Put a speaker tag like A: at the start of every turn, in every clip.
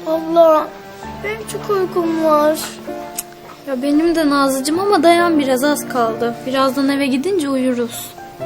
A: Abla, benim çok uykum var.
B: Ya benim de Nazlıcığım ama dayan biraz, az kaldı. Birazdan eve gidince uyuruz.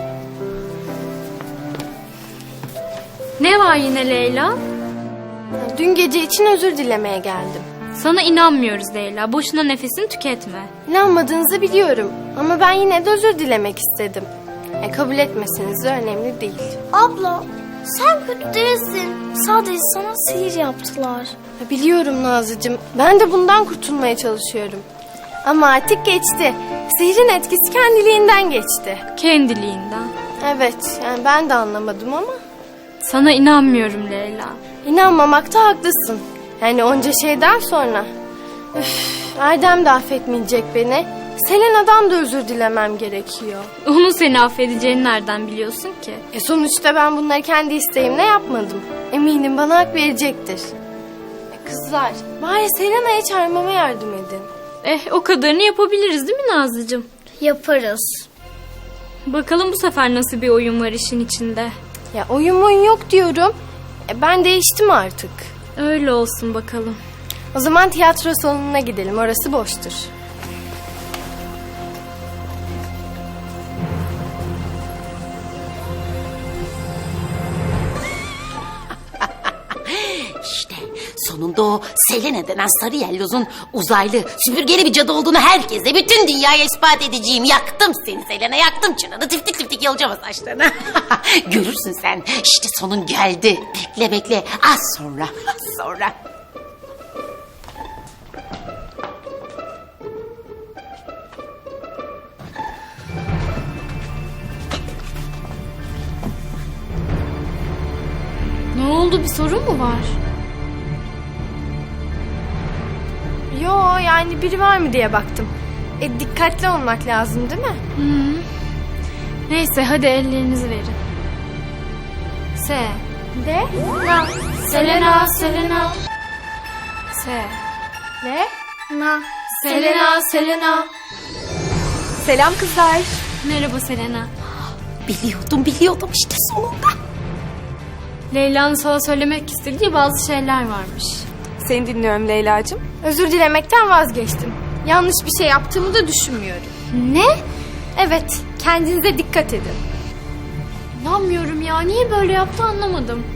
B: Ne var yine Leyla?
C: Dün gece için özür dilemeye geldim.
B: Sana inanmıyoruz Leyla. Boşuna nefesini tüketme.
C: İnanmadığınızı biliyorum ama ben yine de özür dilemek istedim. Kabul etmeseniz de önemli değil.
A: Abla, sen kötü değilsin. Sadece sana sihir yaptılar.
C: Biliyorum Nazlıcığım. Ben de bundan kurtulmaya çalışıyorum. Ama artık geçti. Sihrin etkisi kendiliğinden geçti.
B: Kendiliğinden.
C: Evet, yani ben de anlamadım ama.
B: Sana inanmıyorum Leyla.
C: İnanmamakta haklısın. Yani onca şeyden sonra. Erdem de affetmeyecek beni. Selena'dan da özür dilemem gerekiyor.
B: Onun seni affedeceğini nereden biliyorsun ki?
C: Sonuçta ben bunları kendi isteğimle yapmadım. Eminim bana hak verecektir. Kızlar, bari Selena'ya çağırmama yardım edin.
B: O kadarını yapabiliriz değil mi Nazlıcığım?
A: Yaparız.
B: Bakalım bu sefer nasıl bir oyun var işin içinde.
C: Ya oyun yok diyorum. Ben değiştim artık.
B: Öyle olsun bakalım.
C: O zaman tiyatro salonuna gidelim. Orası boştur.
D: İşte sonunda o Selena denen sarı yellozun uzaylı, süpürgeli bir cadı olduğunu herkese, bütün dünyaya ispat edeceğim. Yaktım seni Selena, yaktım çınarı. Tiftik tiftik yolacağım o saçlarına. Görürsün sen. İşte sonun geldi. Bekle bekle. Az sonra.
B: Ne oldu, bir sorun mu var?
C: Yo, yani biri var mı diye baktım. Dikkatli olmak lazım değil mi?
B: Neyse hadi ellerinizi verin.
C: De?
B: Selena.
C: Ne?
B: Selena.
C: Selam kızlar.
B: Merhaba Selena.
D: Biliyordum işte sonunda.
B: Leyla'nın sana söylemek istediği bazı şeyler varmış.
C: Seni dinliyorum Leyla'cığım. Özür dilemekten vazgeçtim. Yanlış bir şey yaptığımı da düşünmüyorum.
B: Ne?
C: Evet, kendinize dikkat edin.
B: İnanmıyorum ya. Niye böyle yaptı anlamadım.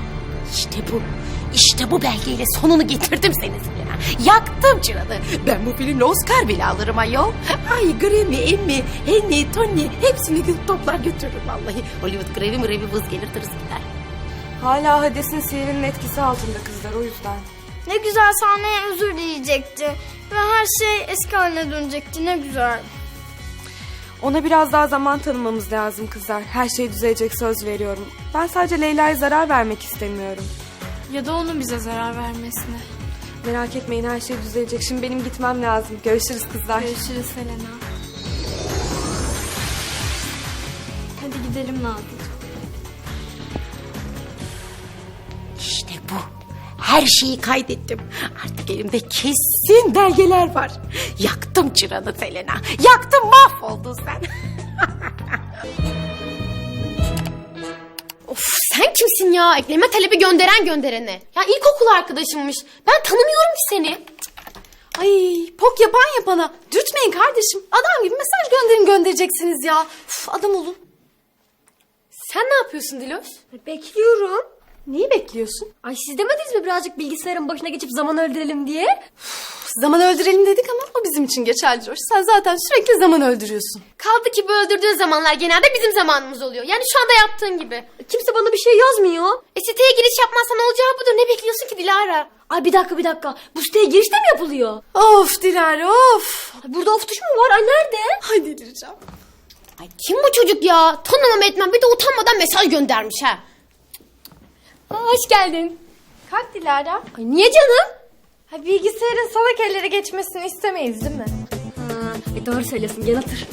D: İşte bu belgeyle sonunu getirdim seni Selena. Yaktım çıradı. Ben bu filmle Oscar bile alırım ayol. Ay Grammy, Emmy, Henny, Tony hepsini toplar götürürüm vallahi. Hollywood Grammy vız gelir tırıs gider.
E: Hala Hades'in sihirinin etkisi altında kızlar, o yüzden.
A: Ne güzel sahneye özür dileyecekti. Ve her şey eski haline dönecekti. Ne güzel.
E: Ona biraz daha zaman tanımamız lazım kızlar. Her şey düzelecek, söz veriyorum. Ben sadece Leyla'ya zarar vermek istemiyorum.
B: Ya da onun bize zarar vermesine.
E: Merak etmeyin, her şey düzelecek. Şimdi benim gitmem lazım. Görüşürüz kızlar.
B: Görüşürüz Selena. Hadi gidelim Nazlıcığım.
D: İşte bu. Her şeyi kaydettim. Artık elimde kesin belgeler var. Yaktım çıranı Selena. Yaktım, mahvoldun sen.
F: Of, sen kimsin ya? Ekleme talebi gönderene. Ya ilkokul arkadaşımmış. Ben tanımıyorum ki seni.
C: Ay, pok yapana. Dürtmeyin kardeşim. Adam gibi mesaj göndereceksiniz ya. Adam olun.
F: Sen ne yapıyorsun Diloş?
C: Bekliyorum. Neyi bekliyorsun?
F: Ay siz demediniz mi birazcık bilgisayarın başına geçip zaman öldürelim diye?
C: Zaman öldürelim dedik ama o bizim için geçerli Coş. Sen zaten sürekli zaman öldürüyorsun.
F: Kaldı ki bu öldürdüğün zamanlar genelde bizim zamanımız oluyor. Yani şu anda yaptığın gibi. Kimse bana bir şey yazmıyor. Siteye giriş yapmazsan olacağı budur. Ne bekliyorsun ki Dilara? Ay bir dakika. Bu siteye giriş de mi yapılıyor?
C: Of Dilara of.
F: Ay, burada of tuş mu var? Ay nerede?
C: Ay delireceğim.
F: Ay kim bu çocuk ya? Tanımam etmem bir de utanmadan mesaj göndermiş ha. Hoş geldin.
C: Kalk Dilara.
F: Ay niye canım?
C: Bilgisayarın salak ellere geçmesini istemeyiz değil mi?
F: Doğru söylüyorsun, gel otur.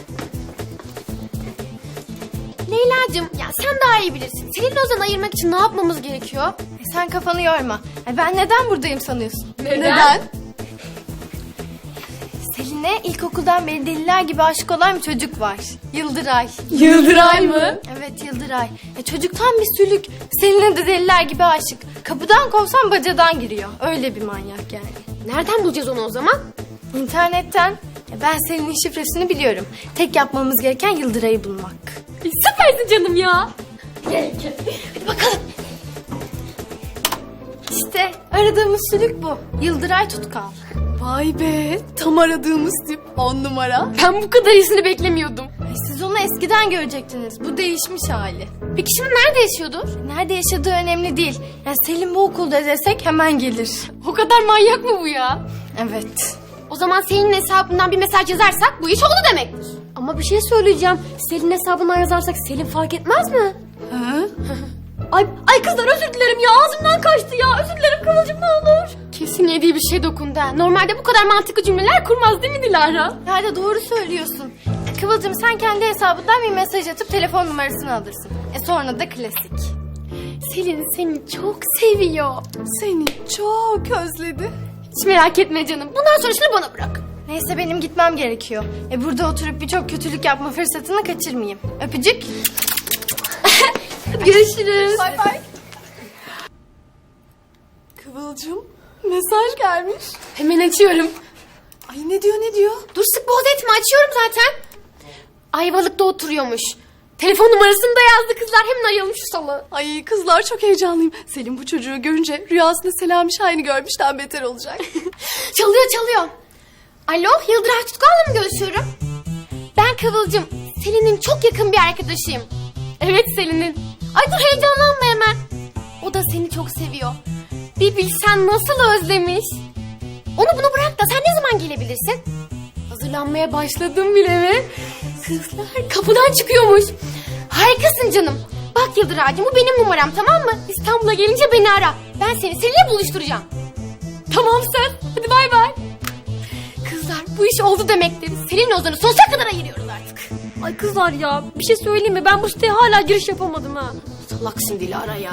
F: Leyla'cığım ya sen daha iyi bilirsin. Seninle Ozan'ı ayırmak için ne yapmamız gerekiyor?
C: Sen kafanı yorma. Ben neden buradayım sanıyorsun?
F: Neden?
C: Selin Selin'e ilkokuldan beri deliler gibi aşık olan bir çocuk var. Yıldıray.
F: Yıldıray mı?
C: Evet, Yıldıray. Çocuktan bir sülük. Selin'e de deliler gibi aşık. Kapıdan kovsan bacadan giriyor. Öyle bir manyak yani.
F: Nereden bulacağız onu o zaman?
C: İnternetten. Ben Selin'in şifresini biliyorum. Tek yapmamız gereken Yıldıray'ı bulmak.
F: Süpersin canım ya.
C: Hadi bakalım. İşte aradığımız sülük bu. Yıldıray Tutkal.
F: Vay be, tam aradığımız tip 10 numara. Ben bu kadar iyisini beklemiyordum.
C: Siz onu eskiden görecektiniz. Bu değişmiş hali.
F: Peki şimdi nerede yaşıyordur?
C: Nerede yaşadığı önemli değil. Yani Selin bu okulda desek hemen gelir.
F: O kadar manyak mı bu ya?
C: Evet.
F: O zaman Selin'in hesabından bir mesaj yazarsak bu iş oldu demektir. Ama bir şey söyleyeceğim. Selin hesabından yazarsak Selin fark etmez mi? Ay kızlar özür dilerim ya, ağzımdan kaçtı ya. Özür dilerim Kıvılcım, ne olur. Kesin yediği bir şey dokundu ha. Normalde bu kadar mantıklı cümleler kurmaz değil mi Dilara?
C: Yani doğru söylüyorsun. Kıvılcım sen kendi hesabından bir mesaj atıp telefon numarasını alırsın. Sonra da klasik.
F: Selin seni çok seviyor.
E: Seni çok özledi.
F: Hiç merak etme canım. Bundan sonrasını bana bırak.
C: Neyse benim gitmem gerekiyor. Burada oturup birçok kötülük yapma fırsatını kaçırmayayım. Öpücük.
F: Görüşürüz.
E: Bay bay. Kıvılcım, mesaj gelmiş.
F: Hemen açıyorum.
E: Ay ne diyor?
F: Dur sık boğaz etme, açıyorum zaten. Ayvalık'ta oturuyormuş. Telefon numarasını da yazdı kızlar. Hemen arayalım şu salı.
E: Ay kızlar çok heyecanlıyım. Selim bu çocuğu görünce rüyasında Selami Şahin'i görmüşten beter olacak.
F: Çalıyor. Alo, Yıldıray Tutkal'la mı görüşüyorum? Ben Kıvılcım. Selin'in çok yakın bir arkadaşıyım. Evet Selin'in. Ay dur heyecanlanma hemen. O da seni çok seviyor. Bir bilsen nasıl özlemiş. Onu bunu bırak da sen ne zaman gelebilirsin? Hazırlanmaya başladım bile mi? Kızlar kapıdan çıkıyormuş. Harikasın canım. Bak Yıldıray'cığım, bu benim numaram, tamam mı? İstanbul'a gelince beni ara. Ben seni Selin'le buluşturacağım. Tamam sen. Hadi bay bay. Kızlar bu iş oldu demektir. Selin'le Ozan'ı sonsuza kadar ayırıyoruz artık. Ay kızlar ya, bir şey söyleyeyim mi? Ben bu siteye hala giriş yapamadım ha. Salaksın Dilara ya.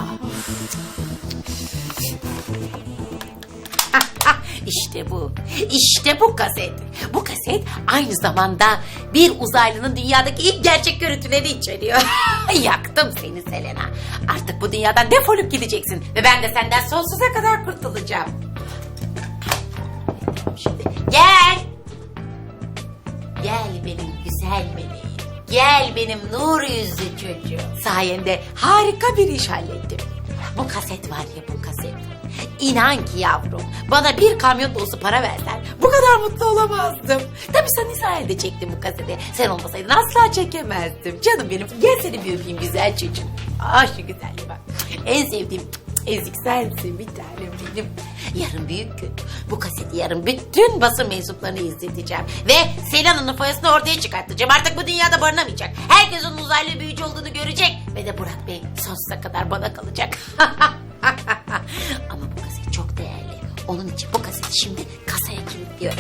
D: İşte bu kaset. Bu kaset aynı zamanda bir uzaylının dünyadaki ilk gerçek görüntüleri içeriyor. Yaktım seni Selena. Artık bu dünyadan defolup gideceksin. Ve ben de senden sonsuza kadar kurtulacağım. Şimdi gel. Gel benim güzel meleğim. Gel benim nur yüzlü çocuğum. Sayende harika bir iş hallettim. Bu kaset var ya, bu kaset. İnan ki yavrum, bana bir kamyon dolusu para versen bu kadar mutlu olamazdım. Tabii sen İsrail'de çektin bu kaseti. Sen olmasaydın asla çekemezdim. Canım benim, gel seni bir öpeyim güzel çocuğum. Ah şu güzelliğe bak. En sevdiğim ezik sensin bir tanem benim. Yarın büyük gün. Bu kaseti yarın bütün basın mensuplarını izleteceğim. Ve Selena'nın foyasını ortaya çıkartacağım. Artık bu dünyada barınamayacak. Herkes onun uzaylı büyücü olduğunu görecek. Ve de Burak Bey sonsuza kadar bana kalacak. Ama bu kaset çok değerli. Onun için bu kaseti şimdi kasaya kilitliyorum.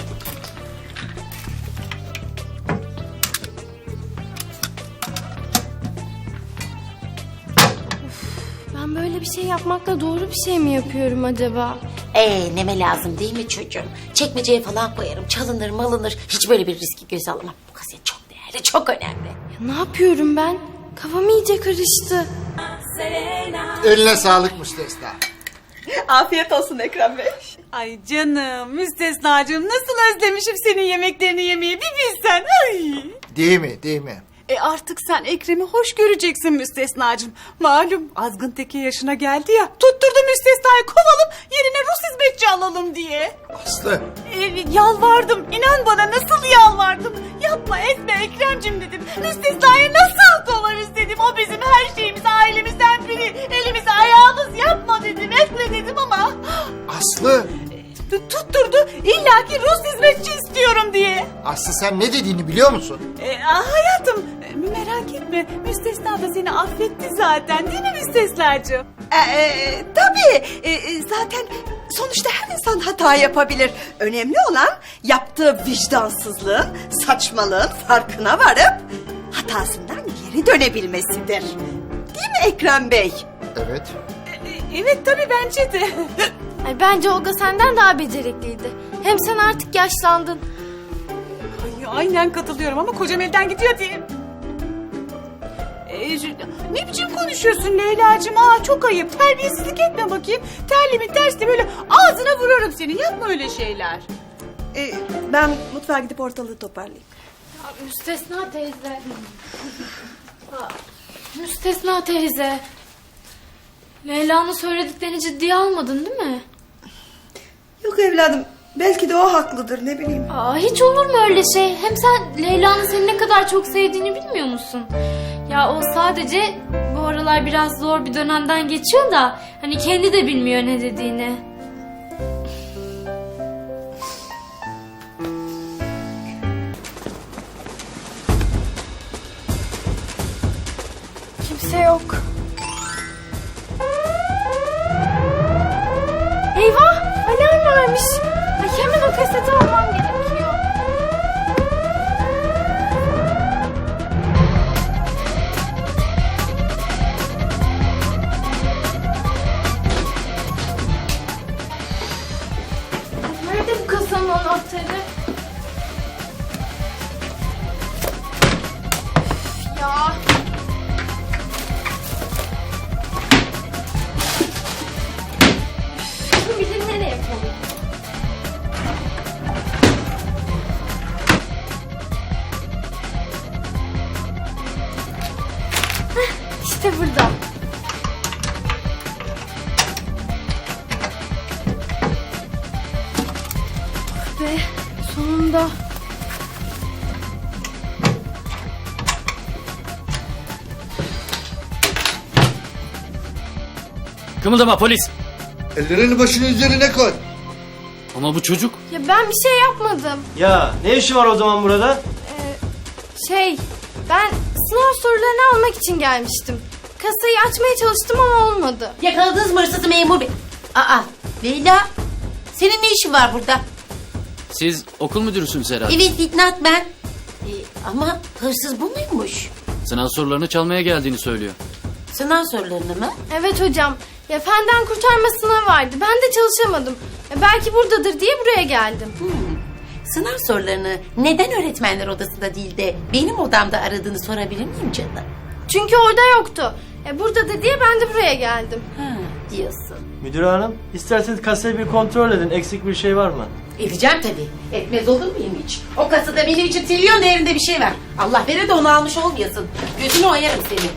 C: Ben böyle bir şey yapmakla doğru bir şey mi yapıyorum acaba?
D: Neme lazım değil mi çocuğum? Çekmeceye falan koyarım, çalınır malınır. Hiç böyle bir riski göze alamam. Bu kaset çok değerli, çok önemli.
C: Ne yapıyorum ben? Kafam iyice karıştı.
G: Eline sağlık Müstesna.
H: Afiyet olsun Ekrem Bey.
I: Ay canım, Müstesnacığım, nasıl özlemişim senin yemeklerini yemeyi bir bilsen. Ay.
G: Değil mi?
I: Artık sen Ekrem'i hoş göreceksin Müstesnacığım. Malum azgın teki yaşına geldi ya. Tutturdu Müstesna'yı kovalım, yerine Rus hizmetçi alalım diye.
G: Aslı.
I: Yalvardım, inan bana nasıl yalvardım. Yapma etme Ekrem'cim dedim. Müstesna'yı nasıl kovarız dedim. O bizim her şeyimiz, ailemizden biri. Elimiz ayağımız, yapma dedim, etme dedim ama...
G: Aslı.
I: Tutturdu, illaki Rus hizmetçi istiyorum diye.
G: Aslı sen ne dediğini biliyor musun?
I: Hayatım, merak etme. Müstesna da seni affetti zaten, değil mi Müstesnacığım?
H: Tabii. Zaten sonuçta her insan hata yapabilir. Önemli olan yaptığı vicdansızlığın, saçmalığın farkına varıp hatasından geri dönebilmesidir. Değil mi Ekrem Bey?
G: Evet.
I: Evet tabii bence de.
C: Bence Olga senden daha becerikliydi. Hem sen artık yaşlandın.
I: Aynen katılıyorum ama kocam evden gidiyor diye. Ne biçim konuşuyorsun Leyla'cığım? Aa, çok ayıp. Terbiyesizlik etme bakayım. Terli mi tersli böyle ağzına vururum seni. Yapma öyle şeyler.
H: Ben mutfağa gidip ortalığı toparlayayım.
B: Müstesna teyze. Müstesna teyze. Leyla'nın söylediklerini ciddiye almadın değil mi?
H: Yok evladım, belki de o haklıdır, ne bileyim.
B: Aa, hiç olur mu öyle şey? Hem sen Leyla'nın seni ne kadar çok sevdiğini bilmiyor musun? Ya o sadece bu aralar biraz zor bir dönemden geçiyor da hani kendi de bilmiyor ne dediğini.
C: Kimse yok. Eyvah! Alarm varmış. Ay, hemen o kaseti almam gerekiyor. Nerede bu kasanın anahtarı? Üf ya. Kim bilir nereye koydum? İşte burada. Oh be, sonunda.
J: Kımıldama polis.
G: Ellerini başının üzerine koy.
J: Ama bu çocuk.
C: Ya ben bir şey yapmadım.
K: Ya ne işi var o zaman burada?
C: Ben sınav sorularını almak için gelmiştim. Kasayı açmaya çalıştım ama olmadı.
D: Yakaladınız mı hırsızı memur bey? Aa Leyla, senin ne işin var burada?
J: Siz okul müdürüsünüz herhalde.
D: Evet Fitnat ben. Ama hırsız bu muymuş?
J: Sınav sorularını çalmaya geldiğini söylüyor.
D: Sınav sorularını mı?
C: Evet hocam. Ya fenden kurtarma sınavı vardı. Ben de çalışamadım. Belki buradadır diye buraya geldim.
D: Sınav sorularını neden öğretmenler odasında değil de benim odamda aradığını sorabilir miyim canım?
C: Çünkü orada yoktu. Buradadır diye ben de buraya geldim.
D: Ha, diyorsun.
K: Müdür hanım, isterseniz kasayı bir kontrol edin. Eksik bir şey var mı?
D: Edeceğim tabii. Etmez olur muyum hiç? O kasada benim için trilyon değerinde bir şey var. Allah verir de onu almış olmayasın. Gözünü oyarım seni.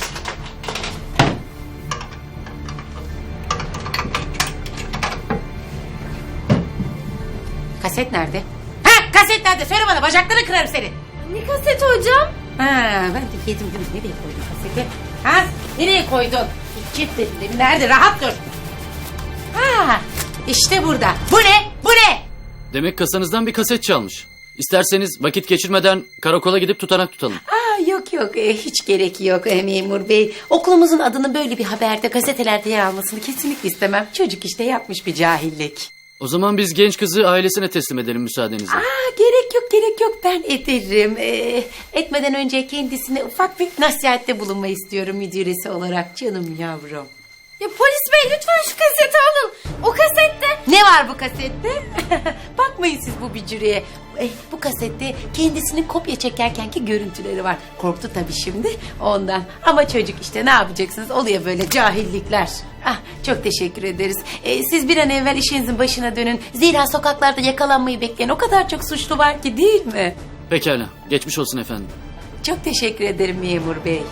D: Kaset nerede? Ha, kaset nerede? Söyle bana, bacaklarını kırarım seni.
C: Ne kaseti hocam?
D: Ha, ben de yedim değil mi? Nereye koydun kaseti? Ha, nereye koydun? Git dedim. Nerede? Rahat dur. Ha, işte burada. Bu ne? Bu ne?
J: Demek kasanızdan bir kaset çalmış. İsterseniz vakit geçirmeden karakola gidip tutanak tutalım.
D: Aa, yok hiç gerek yok memur bey. Okulumuzun adının böyle bir haberde, gazetelerde yer almasını kesinlikle istemem. Çocuk işte yapmış bir cahillik.
J: O zaman biz genç kızı ailesine teslim edelim müsaadenizle.
D: Aa, gerek yok ben ederim. Etmeden önce kendisine ufak bir nasihatte bulunmayı istiyorum müdüresi olarak, canım yavrum.
C: Ya polis bey lütfen şu kaseti alın. O kasette.
D: Ne var bu kasette? Bakmayın siz bu bücürüye. Bu kasette kendisinin kopya çekerkenki görüntüleri var. Korktu tabii şimdi ondan. Ama çocuk işte, ne yapacaksınız? Oluyor böyle cahillikler. Ah, çok teşekkür ederiz. Siz bir an evvel işinizin başına dönün. Zira sokaklarda yakalanmayı bekleyen o kadar çok suçlu var ki, değil mi?
J: Pekala. Geçmiş olsun efendim.
D: Çok teşekkür ederim memur bey.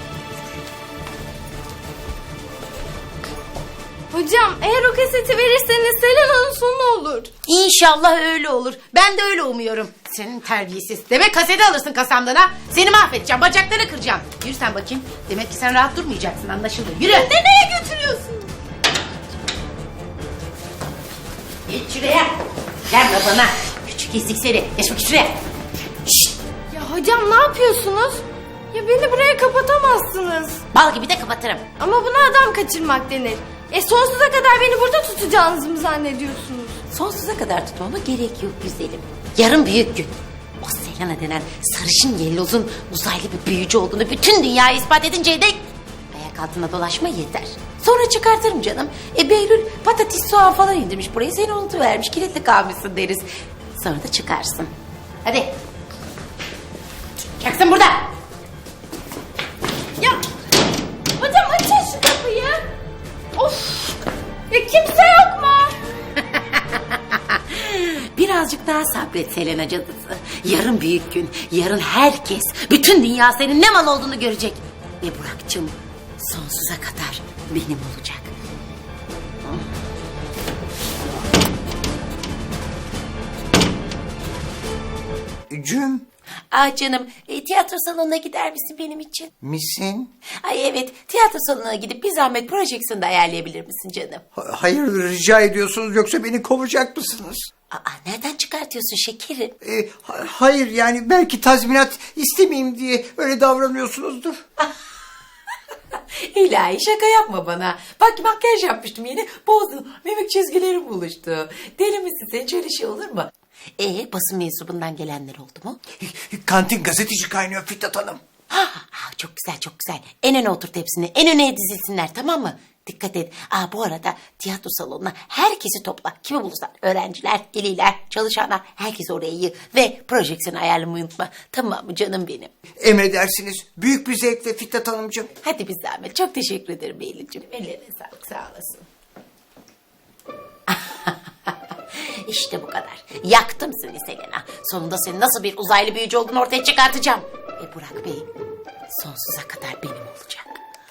C: Hocam eğer o kaseti verirseniz Selena'nın sonu olur.
D: İnşallah öyle olur. Ben de öyle umuyorum. Senin terbiyesiz. Demek kaseti alırsın kasamdan ha. Seni mahvedeceğim. Bacaklarını kıracağım. Yürü sen bakayım. Demek ki sen rahat durmayacaksın, anlaşıldı. Yürü.
C: Nereye götürüyorsun?
D: Geç şuraya. Gelme bana. Küçük ezik seni. Geç bakayım şuraya. Şşt.
C: Ya hocam ne yapıyorsunuz? Ya beni buraya kapatamazsınız.
D: Bal gibi de kapatırım.
C: Ama buna adam kaçırmak denir. Sonsuza kadar beni burada tutacağınızı mı zannediyorsunuz?
D: Sonsuza kadar tutmama gerek yok güzelim. Yarın büyük gün. O Selena denen sarışın yellozun uzaylı bir büyücü olduğunu bütün dünyaya ispat edinceye dek ayak altına dolaşma yeter. Sonra çıkartırım canım. Behlül patates soğan falan indirmiş buraya, seni unutuvermiş, kilitli kalmışsın deriz. Sonra da çıkarsın. Hadi. yapacaksın burada?
B: Hocam açın şu kapıyı. Of. Ya kimse yok mu?
D: Birazcık daha sabret Selena cadısı. Yarın büyük gün. Yarın herkes, bütün dünya senin ne mal olduğunu görecek. Ve Burak'cığım sonsuza kadar benim olacak.
L: Cüm
D: Canım, tiyatro salonuna gider misin benim için?
L: misin?
D: Ay evet, tiyatro salonuna gidip bir zahmet projeksiyonu da ayarlayabilir misin canım?
L: Hayır rica ediyorsunuz yoksa beni kovacak mısınız?
D: Nereden çıkartıyorsun şekerim?
L: Hayır yani belki tazminat istemeyeyim diye öyle davranıyorsunuzdur.
D: İlahi şaka yapma bana. Bak makyaj yapmıştım yeni, bozdum. Mimik çizgilerim buluştu. Deli misin sen, hiç öyle şey olur mu? Basın mensubundan gelenler oldu mu?
L: Kantin gazeteci kaynıyor Fitnat Hanım.
D: Çok güzel çok güzel. En öne oturt hepsini. En öne dizilsinler, tamam mı? Dikkat et. Bu arada tiyatro salonuna herkesi topla. Kimi bulursan. Öğrenciler, veliler, çalışanlar. Herkesi oraya yığ. Ve projeksiyonu ayarlamayı unutma. Tamam mı canım benim?
L: Emredersiniz. Büyük bir zevkle Fitnat Hanımcığım.
D: Hadi bir zahmet. Çok teşekkür ederim Beylicim. Ellerine sağlık, sağ olasın. İşte bu kadar. Yaktım seni Selena. Sonunda senin nasıl bir uzaylı büyücü olduğunu ortaya çıkartacağım. Ve Burak Bey sonsuza kadar benim olacak.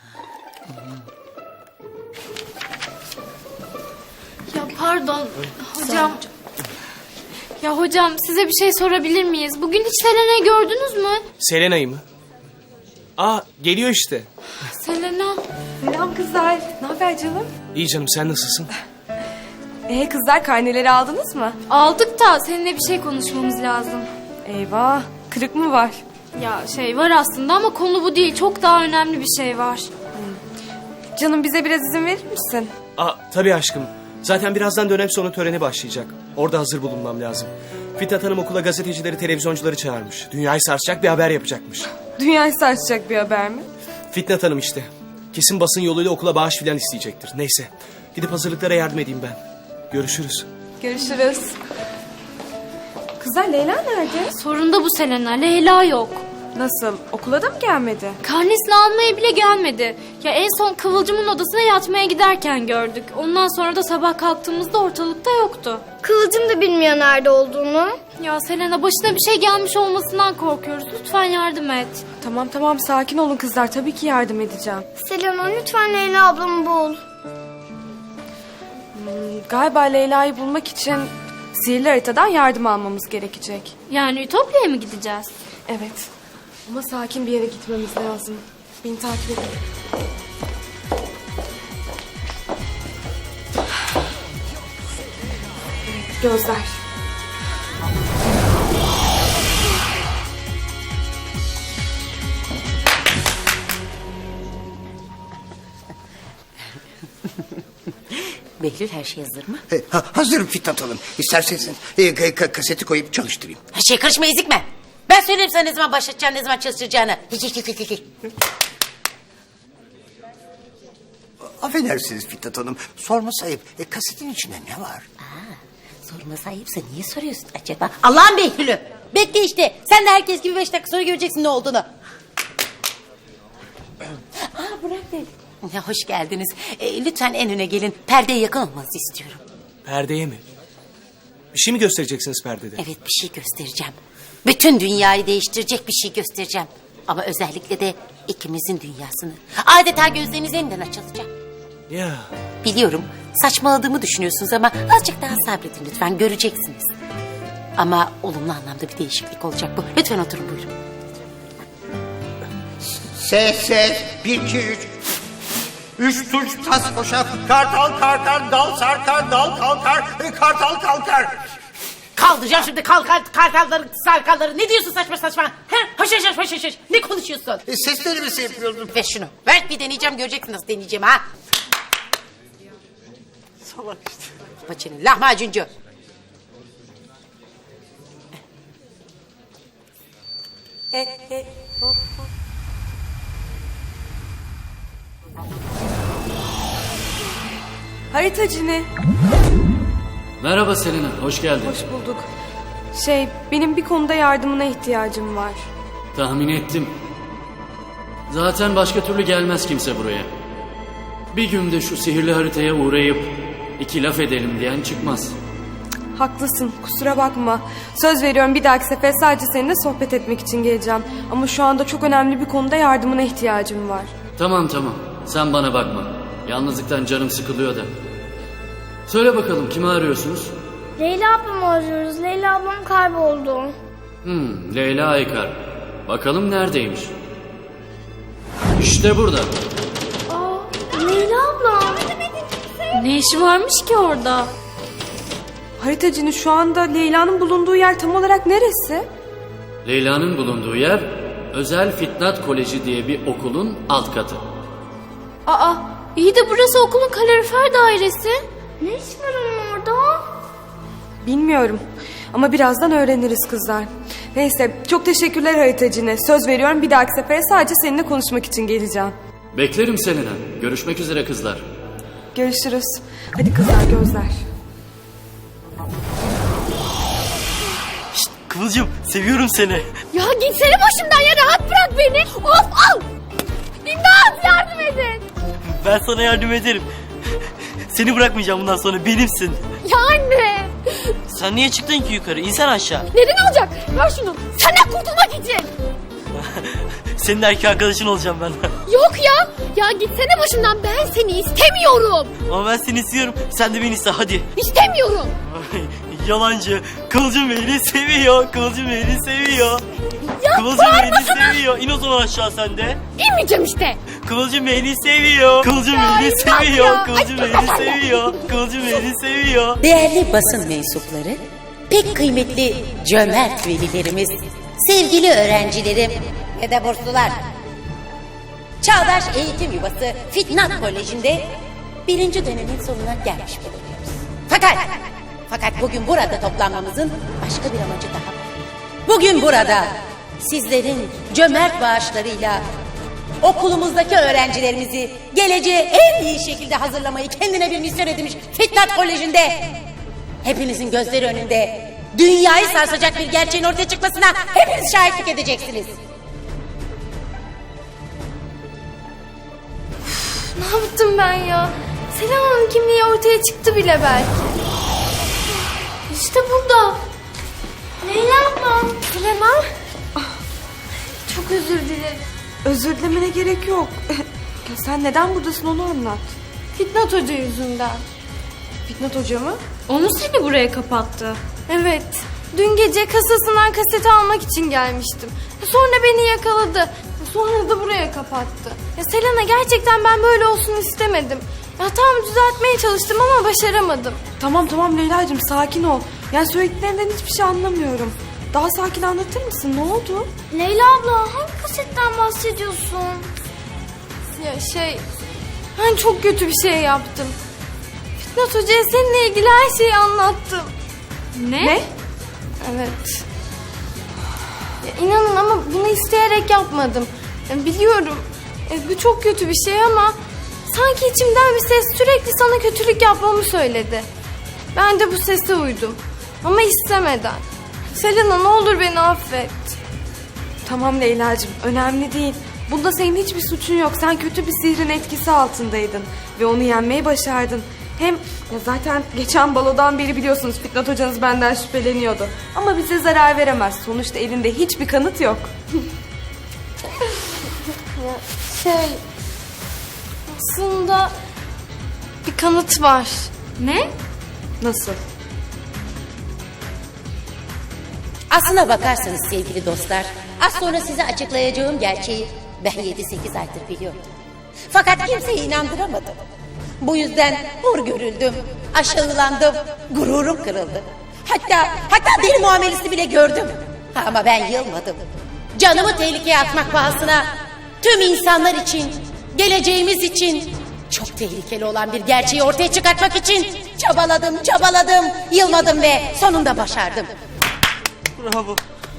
B: Ya pardon hocam. Ya hocam size bir şey sorabilir miyiz? Bugün hiç Selena'yı gördünüz mü?
K: Selena'yı mı? Geliyor işte.
B: Selena.
E: Selam kızlar. Ne haber canım?
K: İyi canım, sen nasılsın?
E: Kızlar karneleri aldınız mı?
B: Aldık da seninle bir şey konuşmamız lazım.
E: Eyvah. Kırık mı var?
B: Ya var aslında ama konu bu değil. Çok daha önemli bir şey var.
E: Canım bize biraz izin verir misin?
K: Tabii aşkım. Zaten birazdan dönem sonu töreni başlayacak. Orada hazır bulunmam lazım. Fitnat Hanım okula gazetecileri, televizyoncuları çağırmış. Dünyayı sarsacak bir haber yapacakmış.
E: Dünyayı sarsacak bir haber mi?
K: Fitnat Hanım işte. Kesin basın yoluyla okula bağış filan isteyecektir. Neyse. Gidip hazırlıklara yardım edeyim ben. Görüşürüz.
E: Görüşürüz. Kızlar Leyla nerede?
B: Sorun da bu Selena. Leyla yok.
E: Nasıl? Okula da mı gelmedi?
B: Karnesini almaya bile gelmedi. Ya en son Kıvılcım'ın odasına yatmaya giderken gördük. Ondan sonra da sabah kalktığımızda ortalıkta yoktu.
A: Kıvılcım da bilmiyor nerede olduğunu.
B: Ya Selena başına bir şey gelmiş olmasından korkuyoruz. Lütfen yardım et.
E: Tamam sakin olun kızlar. Tabii ki yardım edeceğim.
A: Selena lütfen Leyla ablamı bul.
E: Galiba Leyla'yı bulmak için sihirli haritadan yardım almamız gerekecek.
B: Yani Ütopya'ya mı gideceğiz?
E: Evet. Ama sakin bir yere gitmemiz lazım. Beni takip edin. Evet, gözler.
D: Behlül, her şey hazır mı?
L: Hazırım Fitnat Hanım. İsterseniz kaseti koyup çalıştırayım.
D: Her şeye karışma, ezikme. Ben söylerim sana ne zaman başlatacağını, ne zaman çalıştıracağını.
L: Affedersiniz Fitnat Hanım. Sorması ayıp. Kasetin içinde ne var?
D: Sorması ayıpsa niye soruyorsun acaba? Allah'ın Behlül'ü. Bekle işte. Sen de herkes gibi 5 dakika sonra göreceksin ne olduğunu. Burak Bey. Ya, hoş geldiniz. Lütfen en öne gelin. Perdeye yakın olmanızı istiyorum.
K: Perdeye mi? Bir şey mi göstereceksiniz perdede?
D: Evet, bir şey göstereceğim. Bütün dünyayı değiştirecek bir şey göstereceğim. Ama özellikle de ikimizin dünyasını. Adeta gözleriniz yeniden açılacak.
K: Ya.
D: Biliyorum saçmaladığımı düşünüyorsunuz ama azıcık daha sabredin lütfen, göreceksiniz. Ama olumlu anlamda bir değişiklik olacak bu. Lütfen oturun, buyurun.
L: Ses. 1, 2, 3. 3 tuş tas koşar. Kartal kalkar, dal sarkar, dal kalkar, kartal kalkar.
D: Kaldıracağım şimdi kartalları, sarkalları. Ne diyorsun saçma saçma? Hoş. Ne konuşuyorsun?
L: Seslerimizi yapıyordum.
D: Ver şunu. Ver, bir deneyeceğim, göreceksin nasıl deneyeceğim ha.
L: Salak işte.
D: Paçanın lahmacuncu.
E: Haritacı ne?
J: Merhaba Selena, hoş geldin.
E: Hoş bulduk. Benim bir konuda yardımına ihtiyacım var.
J: Tahmin ettim. Zaten başka türlü gelmez kimse buraya. Bir günde şu sihirli haritaya uğrayıp 2 laf edelim diyen çıkmaz.
E: Haklısın, kusura bakma. Söz veriyorum bir dahaki sefer sadece seninle sohbet etmek için geleceğim. Ama şu anda çok önemli bir konuda yardımına ihtiyacım var.
J: Tamam. Sen bana bakma. Yalnızlıktan canım sıkılıyor da. Söyle bakalım, kimi arıyorsunuz?
A: Leyla ablamı arıyoruz. Leyla ablam kayboldu.
J: Leyla Aykar. Bakalım neredeymiş? İşte burada.
A: Leyla ablam.
B: Ne işi varmış ki orada?
E: Haritacının şu anda Leyla'nın bulunduğu yer tam olarak neresi?
J: Leyla'nın bulunduğu yer Özel Fitnat Koleji diye bir okulun alt katı.
B: Aa, iyi de burası okulun kalorifer dairesi.
A: Ne iş var onun orada?
E: Bilmiyorum. Ama birazdan öğreniriz kızlar. Neyse, çok teşekkürler haritacına. Söz veriyorum bir dahaki sefere sadece seninle konuşmak için geleceğim.
J: Beklerim Selena. Görüşmek üzere kızlar.
E: Görüşürüz. Hadi kızlar, gözler.
K: Kıvılcım seviyorum seni.
F: Ya gitsene başımdan ya, rahat bırak beni. Of al. İmdat, yardım edin.
K: Ben sana yardım ederim. Seni bırakmayacağım bundan sonra, benimsin.
F: Ya anne.
K: Sen niye çıktın ki yukarı? İnsan aşağı.
F: Neden olacak? Ver şunu. Senden kurtulmak için.
K: Senin erkek arkadaşın olacağım ben.
F: Yok ya. Ya gitsene başımdan, ben seni istemiyorum.
K: Ama ben seni istiyorum. Sen de beni iste hadi.
F: İstemiyorum.
K: Yalancı. Kıvılcım beni seviyor. Kıvılcım beni seviyor.
F: Ya
K: Kıvılcım beni
F: bağırmasana.
K: seviyor. İn o zaman aşağı sen de.
F: İnmeyeceğim işte.
K: Kıvılcım beni seviyor. Kıvılcım
F: Ya,
K: beni
F: imdat
K: seviyor.
F: ya.
K: Kıvılcım
F: Ay,
K: beni
F: ay,
K: seviyor. Kıvılcım beni seviyor.
D: Değerli basın mensupları, pek kıymetli cömert velilerimiz, sevgili öğrencilerim ve de burslular. Çağdaş Eğitim Yuvası Fitnat Koleji'nde 1. dönemin sonuna gelmiş bulunuyoruz. Fakat bugün burada toplanmamızın başka bir amacı daha var. Bugün burada sizlerin cömert bağışlarıyla okulumuzdaki öğrencilerimizi geleceğe en iyi şekilde hazırlamayı kendine bir misyon edinmiş Fitnat Koleji'nde hepinizin gözleri önünde dünyayı sarsacak bir gerçeğin ortaya çıkmasına hepiniz şahitlik edeceksiniz.
C: Ne yaptım ben ya? Selena'nın kimliği ortaya çıktı bile belki. İşte burada.
A: Leyla ablam.
C: Selena. Çok özür dilerim.
E: Özür dilemene gerek yok. Ya sen neden buradasın onu anlat.
C: Fitnat Hoca yüzünden.
E: Fitnat Hoca mı?
B: O mu seni buraya kapattı?
C: Evet. Dün gece kasasından kaseti almak için gelmiştim. Sonra beni yakaladı. Sonra da buraya kapattı. Ya Selena, gerçekten ben böyle olsun istemedim. Ya tam düzeltmeye çalıştım ama başaramadım.
E: Tamam Leyla'cığım, sakin ol. Yani söylediklerinden hiçbir şey anlamıyorum. Daha sakin anlatır mısın? Ne oldu?
A: Leyla abla, hangi kasetten bahsediyorsun?
C: Ya ben çok kötü bir şey yaptım. Fitnat Hoca'ya seninle ilgili her şeyi anlattım.
B: Ne?
C: Evet. Ya inanın ama bunu isteyerek yapmadım. Ya biliyorum bu çok kötü bir şey ama sanki içimden bir ses sürekli sana kötülük yapmamı söyledi. Ben de bu sese uydum. Ama istemeden. Selena, ne olur beni affet.
E: Tamam Leyla'cığım, önemli değil. Bunda senin hiçbir suçun yok. Sen kötü bir sihrin etkisi altındaydın. Ve onu yenmeyi başardın. Hem ya zaten geçen balodan beri biliyorsunuz Fitnat hocanız benden şüpheleniyordu. Ama bize zarar veremez. Sonuçta elinde hiçbir kanıt yok.
C: Aslında bir kanıt var.
B: Ne?
E: Nasıl?
D: Aslına bakarsanız sevgili dostlar, az sonra size açıklayacağım gerçeği ben 7-8 aydır biliyorum. Fakat kimseyi inandıramadım. Bu yüzden hor görüldüm, aşağılandım, gururum kırıldı. Hatta deli muamelesi bile gördüm. Ama ben yılmadım. Canımı tehlikeye atmak pahasına tüm insanlar için, geleceğimiz için çok tehlikeli olan bir gerçeği ortaya çıkartmak için çabaladım, yılmadım ve sonunda başardım.
K: Bravo.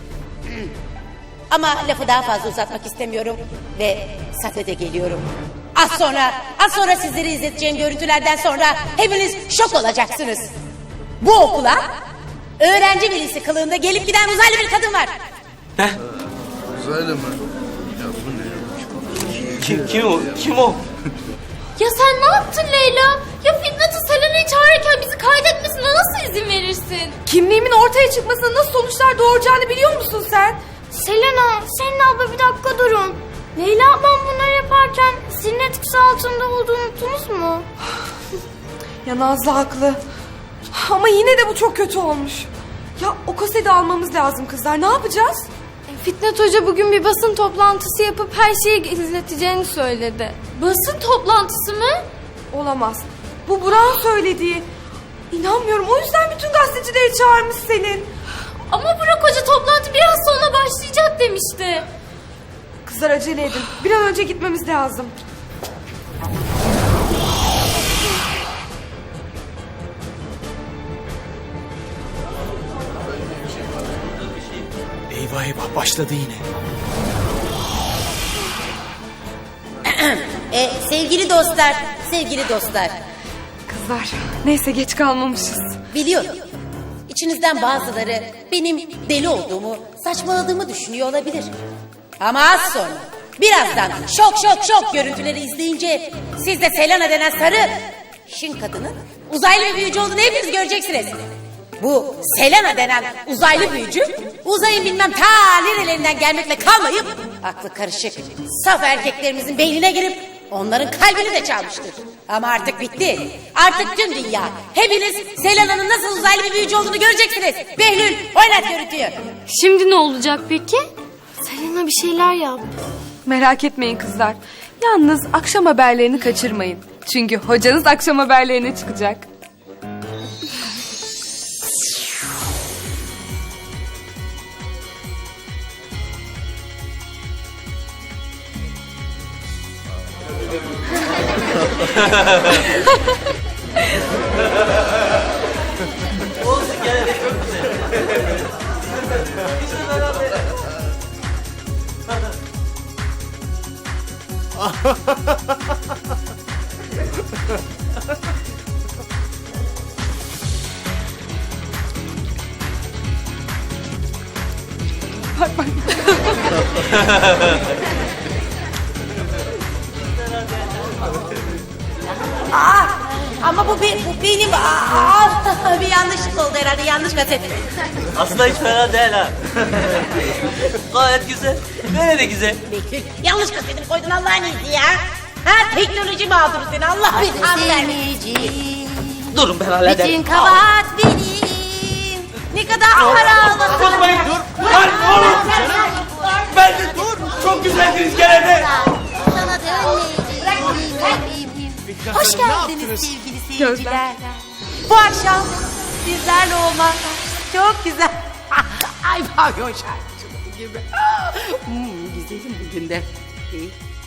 D: Ama lafı daha fazla uzatmak istemiyorum ve sadede geliyorum. Az sonra sizleri izleteceğim görüntülerden sonra hepiniz şok olacaksınız. Bu okula öğrenci velisi kılığında gelip giden uzaylı bir kadın var.
K: Ne?
G: Uzaylı mı? Ya bu ne?
K: Kim o?
B: Ya sen ne yaptın Leyla? Ya Fitnat'ı Selena'yı çağırırken bizi kaydetmesine nasıl izin verirsin?
E: Kimliğimin ortaya çıkmasına nasıl sonuçlar doğuracağını biliyor musun sen?
A: Selena, Selin abla bir dakika durun. Leyla ablam bunları yaparken sizin etkisi altında olduğunu unuttunuz mu?
E: Ya Nazlı haklı. Ama yine de bu çok kötü olmuş. Ya o kaseti almamız lazım kızlar. Ne yapacağız?
C: Fitnat Hoca bugün bir basın toplantısı yapıp her şeyi izleteceğini söyledi.
B: Basın toplantısı mı?
E: Olamaz. Bu Burak'ın söylediği. İnanmıyorum. O yüzden bütün gazetecileri çağırmış Selin.
B: Ama Burak Hoca toplantı biraz sonra başlayacak demişti.
E: Kızlar acele edin. Bir an önce gitmemiz lazım.
K: Eyvah başladı yine.
D: Sevgili dostlar.
E: Kızlar neyse geç kalmamışız.
D: Biliyorum. İçinizden bazıları benim deli olduğumu, saçmaladığımı düşünüyor olabilir. Ama az sonra, birazdan şok görüntüleri izleyince siz de Selena denen sarı işin kadının uzaylı bir büyücü olduğunu hepiniz göreceksiniz. Bu Selena denen uzaylı büyücü uzayın bilmem ta nerelerinden gelmekle kalmayıp aklı karışık saf erkeklerimizin beynine girip onların kalbini de çalmıştır. Ama artık bitti. Artık tüm dünya hepiniz Selena'nın nasıl uzaylı bir büyücü olduğunu göreceksiniz. Behlül oynat görüntüyü.
B: Şimdi ne olacak peki?
C: Selena bir şeyler yap.
E: Merak etmeyin kızlar. Yalnız akşam haberlerini kaçırmayın. Çünkü hocanız akşam haberlerine çıkacak.
D: Ama bu benim bir yanlışlık oldu herhalde, yanlış gazete.
M: Aslında hiç fena değil ha. Gayet güzel. Böyle de güzel.
D: Behlül yanlış gazeteni koydun Allah'ın izni ya. Ha teknoloji mağduru seni Allah belanı vermesin.
M: Durun ben hallederim.
D: Bütün kabahat benim. Ne kadar para ağladım.
M: Tutmayın dur. Lan oğlum. Ben de dur. Çok güzeldiniz gene de.
D: Sana dönmeyeceğim. Hoş geldiniz sevgili seyirciler. Bu akşam sizlerle olmak çok güzel. Ay pavyon şarkıcılığı gibi. Güzelim bugün de.